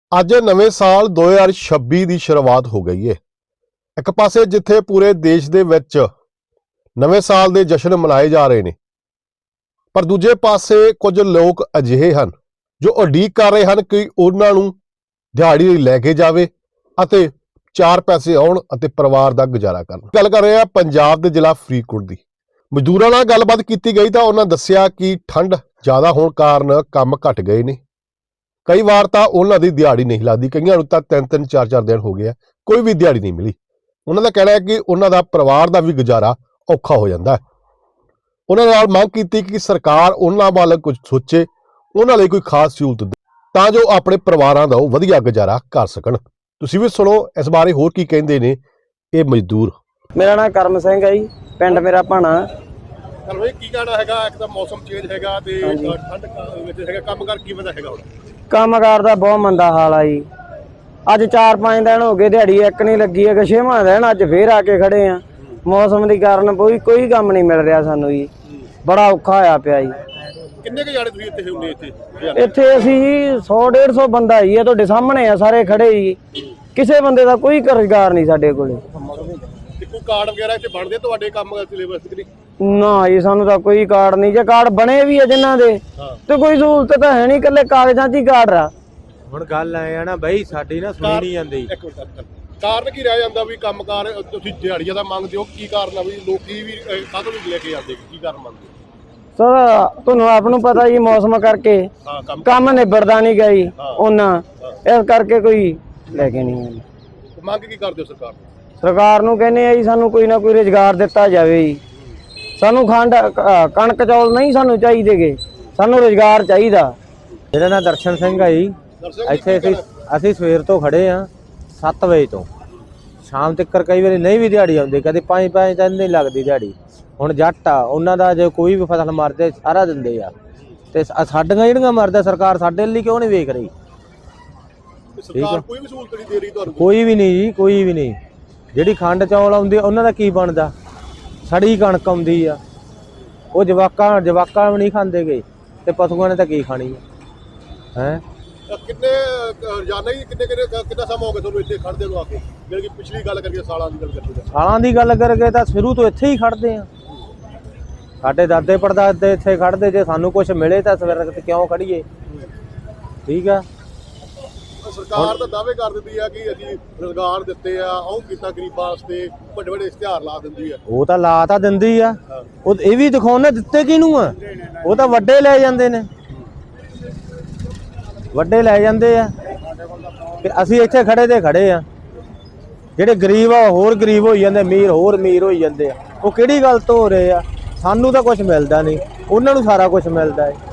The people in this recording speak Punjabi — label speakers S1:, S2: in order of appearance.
S1: ਅੱਜ ਨਵੇਂ ਸਾਲ 2026 ਦੀ ਸ਼ੁਰੂਆਤ ਹੋ ਗਈ ਹੈ। ਇੱਕ ਪਾਸੇ ਜਿੱਥੇ ਪੂਰੇ ਦੇਸ਼ ਦੇ ਵਿੱਚ ਨਵੇਂ ਸਾਲ ਦੇ ਜਸ਼ਨ ਮਨਾਏ ਜਾ ਰਹੇ ਨੇ, ਪਰ ਦੂਜੇ ਪਾਸੇ ਕੁਝ ਲੋਕ ਅਜਿਹੇ ਹਨ ਜੋ ਉਡੀਕ ਕਰ ਰਹੇ ਹਨ ਕਿ ਉਹਨਾਂ ਨੂੰ ਦਿਹਾੜੀ ਲਈ ਲੈ ਕੇ ਜਾਵੇ ਅਤੇ ਚਾਰ ਪੈਸੇ ਆਉਣ ਅਤੇ ਪਰਿਵਾਰ ਦਾ ਗੁਜ਼ਾਰਾ ਕਰਨ। ਗੱਲ ਕਰ ਰਹੇ ਆ ਪੰਜਾਬ ਦੇ ਜ਼ਿਲ੍ਹਾ ਫਰੀਦਕੋਟ ਦੀ। ਮਜ਼ਦੂਰਾਂ ਨਾਲ ਗੱਲਬਾਤ ਕੀਤੀ ਗਈ ਤਾਂ ਉਹਨਾਂ ਦੱਸਿਆ ਕਿ ਠੰਡ ਜ਼ਿਆਦਾ ਹੋਣ ਕਾਰਨ ਕੰਮ ਘਟ ਗਏ ਨੇ। ਕਈ ਵਾਰ ਤਾਂ ਉਹਨਾਂ ਦੀ ਦਿਹਾੜੀ ਨਹੀਂ ਲੱਗਦੀ, ਕਈਆਂ ਨੂੰ ਤਾਂ 3-3 4-4 ਦਿਨ ਹੋ ਗਏ ਆ, ਕੋਈ ਵੀ ਦਿਹਾੜੀ ਨਹੀਂ ਮਿਲੀ। ਉਹਨਾਂ ਦਾ ਕਹਿਣਾ ਹੈ ਕਿ ਉਹਨਾਂ ਦਾ ਪਰਿਵਾਰ ਦਾ ਵੀ ਗੁਜ਼ਾਰਾ ਔਖਾ ਹੋ ਜਾਂਦਾ ਹੈ। ਉਹਨਾਂ ਨਾਲ ਮੰਗ ਕੀਤੀ ਕਿ ਸਰਕਾਰ ਉਹਨਾਂ ਵੱਲ ਕੁਝ ਸੋਚੇ, ਉਹਨਾਂ ਲਈ ਕੋਈ ਖਾਸ ਸਹੂਲਤ ਦੇ ਤਾਂ ਜੋ ਆਪਣੇ ਪਰਿਵਾਰਾਂ ਦਾ ਉਹ ਵਧੀਆ ਗੁਜ਼ਾਰਾ ਕਰ ਸਕਣ। ਤੁਸੀਂ ਵੀ ਸੁਣੋ ਇਸ ਬਾਰੇ ਹੋਰ ਕੀ ਕਹਿੰਦੇ ਨੇ ਇਹ ਮਜ਼ਦੂਰ।
S2: ਮੇਰਾ ਨਾਮ ਕਰਮ ਸਿੰਘ ਹੈ ਜੀ, ਪਿੰਡ ਮੇਰਾ ਭਾਣਾ।
S1: ਚਲੋ ਇਹ ਕੀ ਕਹਿਣਾ ਹੈਗਾ, ਇੱਕ ਤਾਂ ਮੌਸਮ ਚੇਂਜ ਹੈਗਾ ਤੇ ਠੰਡ ਵਿੱਚ ਹੈਗਾ, ਕੰਮਕਾਰ ਕਿਵੇਂ ਦਾ ਹੈਗਾ? ਹੁਣ
S2: ਕੰਮਕਾਰ ਦਾ ਬਹੁਤ ਮੰਦਾ ਹਾਲ ਆ ਜੀ। ਅੱਜ 4-5 ਦਿਨ ਹੋ ਗਏ ਦਿਹਾੜੀ ਇੱਕ ਨਹੀਂ ਲੱਗੀ ਹੈ, 6ਵਾਂ ਦਿਨ ਅੱਜ ਫੇਰ ਆ ਕੇ ਖੜੇ ਆ। ਮੌਸਮ ਦੇ ਕਾਰਨ ਕੋਈ ਕੰਮ ਨਹੀਂ ਮਿਲ ਰਿਹਾ ਸਾਨੂੰ ਜੀ, ਬੜਾ ਔਖਾ ਹੋਇਆ ਪਿਆ ਜੀ।
S1: ਕਿੰਨੇ ਕੁ ਜਾਣੇ ਤੁਸੀਂ ਇੱਥੇ ਹੁੰਦੇ?
S2: ਇੱਥੇ ਅਸੀਂ 100-150 ਬੰਦਾ ਜੀ, ਤੁਹਾਡੇ ਸਾਹਮਣੇ ਆ ਸਾਰੇ ਖੜੇ ਜੀ। ਕਿਸੇ ਬੰਦੇ ਦਾ ਕੋਈ ਰੁਜ਼ਗਾਰ ਨਹੀਂ ਸਾਡੇ ਕੋਲੇ।
S1: ਕੋਈ ਕਾਰਡ ਵਗੈਰਾ ਇੱਥੇ ਬਣਦੇ ਤੁਹਾਡੇ ਕੰਮ ਸਿਲੇਬਸ ਦੇ?
S2: ਨਾ ਜੀ, ਸਾਨੂੰ ਤਾਂ ਕੋਈ ਕਾਰਡ ਨਹੀਂ। ਜੇ ਕਾਰਡ ਬਣੇ ਵੀ ਆ ਜਿਨ੍ਹਾਂ ਦੇ ਤੇ ਕੋਈ ਸਹੂਲਤ ਤਾਂ ਹੈ ਨਹੀਂ, ਇਕੱਲੇ ਕਾਗਜ਼ਾਂ 'ਚ ਹੀ ਕਾਰਡ ਆ। ਹੁਣ ਗੱਲ ਐ ਆ ਨਾ ਬਈ, ਸਾਡੀ ਨਾ ਸੁਣੀ ਨਹੀਂ ਜਾਂਦੀ।
S1: ਕਾਰਨ ਕੀ ਰਹਿ ਜਾਂਦਾ ਵੀ ਕੰਮਕਾਰ ਤੁਸੀਂ ਦਿਹਾੜੀਆਂ ਦਾ ਮੰਗਦੇ ਹੋ? ਕੀ ਕਾਰਨ ਆ ਵੀ ਲੋਕੀ ਵੀ ਕਾਹਤੋਂ ਨਹੀਂ ਲੈ ਕੇ ਜਾਂਦੇ? ਕੀ ਕਾਰਨ ਮੰਗਦੇ
S2: ਸਰ? ਤੁਹਾਨੂੰ ਆਪ ਨੂੰ ਪਤਾ ਜੀ, ਮੌਸਮ ਕਰਕੇ ਕੰਮ ਨਿਬੜਦਾ ਨਹੀਂ ਗਈ ਉਹਨਾਂ, ਇਸ ਕਰਕੇ ਕੋਈ ਲੈ ਕੇ ਨਹੀਂ ਆਉਂਦੇ।
S1: ਮੰਗ ਕੀ ਕਰਦੇ ਹੋ ਸਰਕਾਰ ਨੂੰ?
S2: ਸਰਕਾਰ ਨੂੰ ਕਹਿੰਦੇ ਆ ਜੀ ਸਾਨੂੰ ਕੋਈ ਨਾ ਕੋਈ ਰੁਜ਼ਗਾਰ ਦਿੱਤਾ ਜਾਵੇ ਜੀ। ਸਾਨੂੰ ਕਣਕ ਚੌਲ ਨਹੀਂ ਸਾਨੂੰ ਚਾਹੀਦੇਗੇ, ਸਾਨੂੰ ਰੁਜ਼ਗਾਰ ਚਾਹੀਦਾ। ਮੇਰਾ ਨਾਮ ਦਰਸ਼ਨ ਸਿੰਘ ਹੈ ਜੀ। ਇੱਥੇ ਅਸੀਂ ਸਵੇਰ ਤੋਂ ਖੜੇ ਆ 7 ਵਜੇ ਤੋਂ ਸ਼ਾਮ ਤੱਕ। ਕਈ ਵਾਰੀ ਨਹੀਂ ਵੀ ਦਿਹਾੜੀ ਆਉਂਦੀ, ਕਦੇ 5-5 ਦਿਨ ਨਹੀਂ ਲੱਗਦੀ ਦਿਹਾੜੀ। ਹੁਣ ਜੱਟ ਆ, ਉਹਨਾਂ ਦਾ ਜੇ ਕੋਈ ਵੀ ਫਸਲ ਮਰਦੇ ਸਾਰਾ ਦਿੰਦੇ ਆ, ਤੇ ਸਾਡੀਆਂ ਜਿਹੜੀਆਂ ਮਰਦਾ ਸਰਕਾਰ ਸਾਡੇ ਲਈ ਕਿਉਂ ਨਹੀਂ ਵੇਖ ਰਹੀ?
S1: ਸਰਕਾਰ ਕੋਈ ਵੀ ਸਹੂਲਤ ਨਹੀਂ ਦੇ ਰਹੀ ਤੁਹਾਨੂੰ? ਕੋਈ
S2: ਵੀ ਨਹੀਂ ਜੀ, ਕੋਈ ਵੀ ਨਹੀਂ। ਜਿਹੜੀ ਖੰਡ ਚੌਲ ਆਉਂਦੀ ਉਹਨਾਂ ਦਾ ਕੀ ਬਣਦਾ? ਸੜੀ ਕਣਕ ਆਉਂਦੀ ਆ, ਉਹ ਜਵਾਕਾਂ ਵੀ ਨਹੀਂ ਖਾਂਦੇ ਗਏ, ਤੇ ਪਸ਼ੂਆਂ ਨੇ ਤਾਂ ਕੀ ਖਾਣੀ ਹੈ?
S1: ਕਿੰਨੇ ਰੋਜ਼ਾਨਾ ਹੀ ਕਿੰਨਾ ਸਮਾਂ ਹੋ ਗਿਆ ਤੁਹਾਨੂੰ ਇੱਥੇ ਖੜਦੇ ਨੂੰ ਆ ਕੇ? ਜਿਹੜੀ ਪਿਛਲੀ ਗੱਲ ਕਰੀਏ, ਸਾਲਾਂ ਦੀ ਗੱਲ ਕਰੀਏ,
S2: ਸਾਲਾਂ ਦੀ ਗੱਲ ਕਰਕੇ ਤਾਂ ਸ਼ੁਰੂ ਤੋਂ ਇੱਥੇ ਹੀ ਖੜਦੇ ਆ। ਸਾਡੇ ਦਾਦੇ ਪੜਦਾਦੇ ਇੱਥੇ ਖੜਦੇ। ਜੇ ਸਾਨੂੰ ਕੁਝ ਮਿਲੇ ਤਾਂ ਸਵੇਰ ਤੇ ਕਿਉਂ ਖੜੀਏ? ਠੀਕ ਆ।
S1: ਸਰਕਾਰ ਤਾਂ ਦਾਅਵੇ ਕਰ ਦਿੰਦੀ ਆ ਕਿ ਅਸੀਂ ਰੁਜ਼ਗਾਰ ਦਿੱਤੇ ਆ, ਉਹ ਕੀਤਾ ਗਰੀਬਾਂ ਵਾਸਤੇ, ਵੱਡੇ ਵੱਡੇ ਇਸ਼ਤਿਹਾਰ ਲਾ ਦਿੰਦੀ ਆ। ਉਹ ਤਾਂ ਲਾ ਤਾਂ ਦਿੰਦੀ ਆ, ਉਹ ਇਹ ਵੀ ਦਿਖਾਉਣੇ ਦਿੱਤੇ ਕਿਹਨੂੰ ਆ? ਉਹ ਤਾਂ ਵੱਡੇ ਲੈ ਜਾਂਦੇ ਨੇ, ਵੱਡੇ ਲੈ ਜਾਂਦੇ ਆ। ਤੇ ਅਸੀਂ ਇੱਥੇ ਖੜੇ ਤੇ ਖੜੇ ਆ। ਜਿਹੜੇ ਗਰੀਬ ਆ ਹੋਰ ਗਰੀਬ ਹੋਈ ਜਾਂਦੇ, ਅਮੀਰ ਹੋਰ ਅਮੀਰ ਹੋਈ ਜਾਂਦੇ ਆ। ਉਹ ਕਿਹੜੀ ਗੱਲ ਤੋਂ ਹੋ ਰਹੇ ਆ? ਸਾਨੂੰ ਤਾਂ ਕੁਝ ਮਿਲਦਾ ਨਹੀਂ, ਉਹਨਾਂ ਨੂੰ ਸਾਰਾ ਕੁਝ ਮਿਲਦਾ ਹੈ।